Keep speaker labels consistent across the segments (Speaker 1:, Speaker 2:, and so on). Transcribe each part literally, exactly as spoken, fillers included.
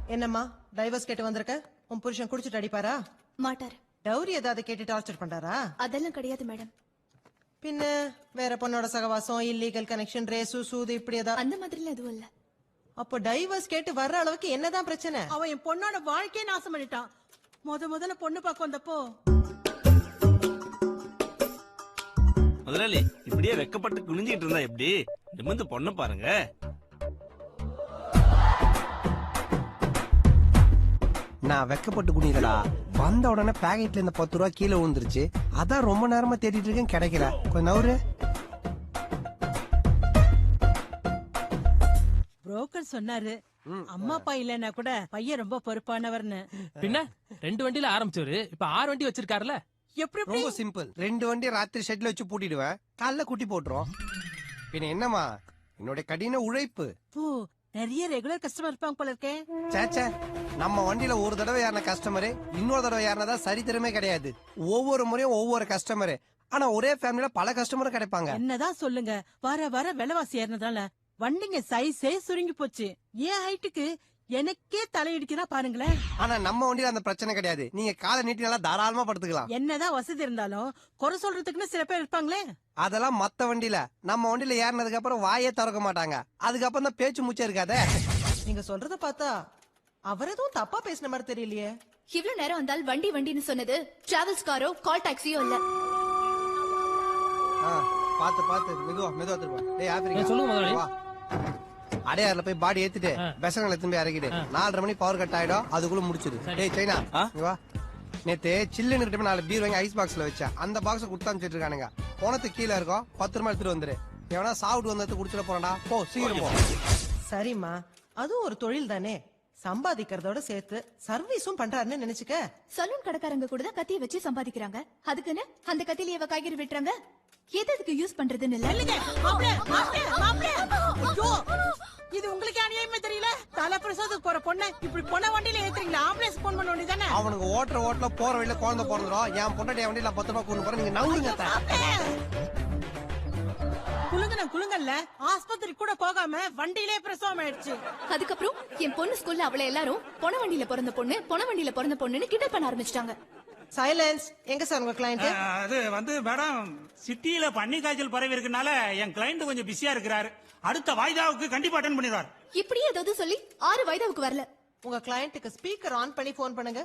Speaker 1: என்னம்மா டைவர்ஸ் கேட்டு வந்திருக்க? உன் புருஷன் குடிச்சிட்டு அடிப்பாரா?
Speaker 2: மாட்டாரு.
Speaker 1: டவுரி ஏதாவது கேட்டு டார்ச்சர் பண்றாரா?
Speaker 2: அதெல்லாம் கிடையாது மேடம்.
Speaker 1: பின்ன வேற பொண்ணோட சகவாசம், இல்லீகல் கனெக்ஷன், ரேசு சூது இப்படி ஏதாவது?
Speaker 2: அந்த மாதிரி எதுவும் இல்ல.
Speaker 1: அப்போ டைவர்ஸ் கேட்டு வர்ற அளவுக்கு என்னதான் பிரச்சனை?
Speaker 3: அவன் என் பொண்ணோட வாழ்க்கையை நாசம் பண்ணிட்டான். முத முதல்ல பொண்ணு பார்க்க வந்தப்போ
Speaker 4: முதலாளி இப்படியே வெக்கப்பட்டு குனிஞ்சிட்டு இருந்தா எப்படி? நிமிந்து பொண்ண பாருங்க.
Speaker 5: நான் வெக்கப்பட்டு குனிதடா. வந்த உடனே பாக்கெட்ல இந்த பத்து ரூபா கீழே விழுந்துருச்சு. அதான் ரொம்ப நேரமா தேடிட்டு இருக்கேன், கிடைக்கல. கொஞ்சம் நவரு.
Speaker 3: புரோக்கர் சொன்னாரு அம்மா அப்பா இல்லன்னா கூட பையன் ரொம்ப பொறுப்பானவர்னு.
Speaker 6: பின்ன ரெண்டு வண்டியில ஆரம்பிச்சவரு இப்ப ஆறு வண்டி வச்சிருக்காருல.
Speaker 3: எப்படி
Speaker 5: ரொம்ப சிம்பிள். ரெண்டு வண்டி ராத்திரி ஷெட்ல வச்சு பூட்டிடுவேன், காலைல குட்டி போட்டுரும். பின்ன என்னமா என்னோட கடின உழைப்பு.
Speaker 3: பூ நிறைய ரெகுலர் கஸ்டமர் இருப்பாங்க போல இருக்கே.
Speaker 5: சேச்சே, நம்ம வண்டியில ஒரு தடவை ஏறின கஸ்டமரு இன்னொரு தடவை ஏறினதா சரித்திரமே கிடையாது. ஒவ்வொரு முறையும் ஒவ்வொரு கஸ்டமரு. ஆனா ஒரே ஃபேமிலில பல கஸ்டமரும் கிடைப்பாங்க.
Speaker 3: என்னதான் சொல்லுங்க, வர வர விலைவாசி ஏறினதால வண்டிங்க சைஸே சுருங்கி போச்சு. ஏன் ஹைட்டுக்கு எனக்கே தலையிடிக்குதா பாருங்களேன்.
Speaker 5: ஆனா நம்ம வண்டியில அந்த பிரச்சனை கிடையாது. நீங்க காலை நீட்டி நல்லா தாராளமா படுத்துக்கலாம்.
Speaker 3: என்னதான் வசதி இருந்தாலும் குறை சொல்றதுக்குன்னு சில பேர் இருப்பாங்களே.
Speaker 5: அதெல்லாம் மத்த வண்டியில. நம்ம வண்டியில ஏறினதுக்கு அப்புறம் வாயே திறக்க மாட்டாங்க. அதுக்கப்புறம் தான் பேச்சு மூச்சே இருக்காதே.
Speaker 1: நீங்க சொல்றத பார்த்தா அவர் எதுவும் தப்பா பேசின மாதிரி தெரியலையே.
Speaker 2: இவ்வளவு நேரம் வந்தால் வண்டி வண்டின்னு சொன்னது டிராவல்ஸ் காரோ கால் டாக்ஸியோ இல்ல.
Speaker 5: பாத்து பாத்து மெதுவா மெதுவா திருப்பா. டேய் ஆப்பிரிக்கா
Speaker 6: சொல்லுங்க முதலாளி.
Speaker 5: வா. அடையாறுல போய் பாடி ஏத்திட்டு பெசங்களை திரும்பி இறக்கிட்டு நாலரை மணி பவர் கட் ஆயிடும், அதுக்குள்ள முடிச்சிடு. டேய் சைனா இங்க வா. நேத்து சில்லுன்னு கிட்ட நாலு பீர் வாங்கி ஐஸ் பாக்ஸ்ல வச்சேன். அந்த பாக்ஸ் குடுத்து அனுப்பிச்சிட்டு இருக்கானுங்க. போனதுக்கு கீழே இருக்கும், பத்து ரூபாய் எடுத்துட்டு வந்துரு. எவனா சாப்பிட்டு வந்தது குடிச்சிட போறா. போ சீக்கிரம் போ.
Speaker 1: சரிம்மா, அதுவும் ஒரு தொழில் தானே. சம்பாதிக்கிறதோட சேர்த்து சர்வீஸும் பண்றாருன்னு நினைச்சுக்க.
Speaker 2: சலூன் கடைக்காரங்க கூட தான் கத்திய வச்சு சம்பாதிக்கிறாங்க. அதுக்குன்னு அந்த கத்தியில இவ காய்கறி வெட்டுறாங்க. எதுக்கு யூஸ் பண்றதுன்னு இல்ல.
Speaker 3: மாப்ள, மாப்ள, மாப்ள. ஐயோ, இது உங்களுக்கு அநியாயமே தெரியல. தலை பிரசவத்துக்கு போற பொண்ணு இப்படி பொண்ண வண்டியில ஏத்துறீங்களா? ஆம்புலன்ஸ் போன் பண்ண வேண்டியதானே.
Speaker 5: அவனுக்கு ஓட்டுற ஓட்டுல போற வழியில குழந்தை பிறந்துரும். என் பொண்டாட்டி வண்டியில பத்து ரூபாய் கொண்டு போறேன். நீங்க நவுருங்க.
Speaker 3: குலுங்கன குலுங்கல்ல ஆஸ்பத்திரி கூட போகாம வண்டியிலே பிரசவம் ஆயிடுச்சு.
Speaker 2: அதுக்கப்புறம் என் பொண்ணு ஸ்கூல்ல அவளை எல்லாரும் பொண வண்டியில பிறந்த பொண்ணு பொண வண்டியில பிறந்த பொண்ணுன்னு கிண்டல் பண்ண ஆரம்பிச்சிட்டாங்க.
Speaker 1: சைலன்ஸ். எங்க சார் உங்க கிளையண்ட்?
Speaker 7: அது வந்து மேடம், சிட்டியில பன்னி காய்ச்சல் பரவி இருக்கனால என் கிளையண்ட் கொஞ்சம் பிஸியா இருக்கிறாரு. அடுத்த வாய்தாவுக்கு கண்டிப்பா அட்டெண்ட் பண்ணிடுவார்.
Speaker 2: இப்படியே ஏதாவது சொல்லி ஆறு வயதாவுக்கு வரல.
Speaker 1: உங்க கிளையண்ட்டுக்கு ஸ்பீக்கர் ஆன் பண்ணி போன் பண்ணுங்க.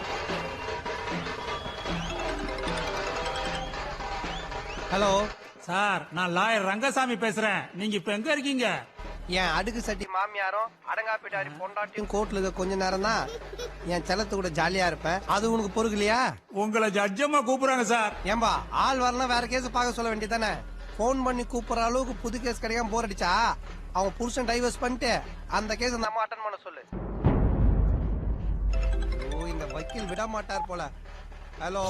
Speaker 5: ஹலோ
Speaker 7: சார், நான் லாயர் ரங்கசாமி பேசுறேன். நீங்க இப்ப எங்க இருக்கீங்க?
Speaker 5: என் அடுக்கு சட்டி மாமியாரும் அடங்காப்பிட்டாரி பொண்டாட்டியும் கோர்ட்ல இருக்க கொஞ்ச நேரம் தான் என் செல்லத்து கூட ஜாலியா இருப்பேன். அது உனக்கு பொறுக்கலையா?
Speaker 7: உங்களை ஜட்ஜமா கூப்பிடுறாங்க சார்.
Speaker 5: ஏம்பா ஆள் வரலாம், வேற கேஸ் பார்க்க சொல்ல வேண்டியதானே. போன் பண்ணி கூப்பிடுற அளவுக்கு புது கேஸ் கிடைக்காம போர் அடிச்சா அவன் புருஷன் டைவர்ஸ் பண்ணிட்டு அந்த கேஸ் அந்த அம்மா அட்டன் பண்ண சொல்லு. ஓ, இந்த வக்கீல் விட மாட்டார் போல. ஹலோ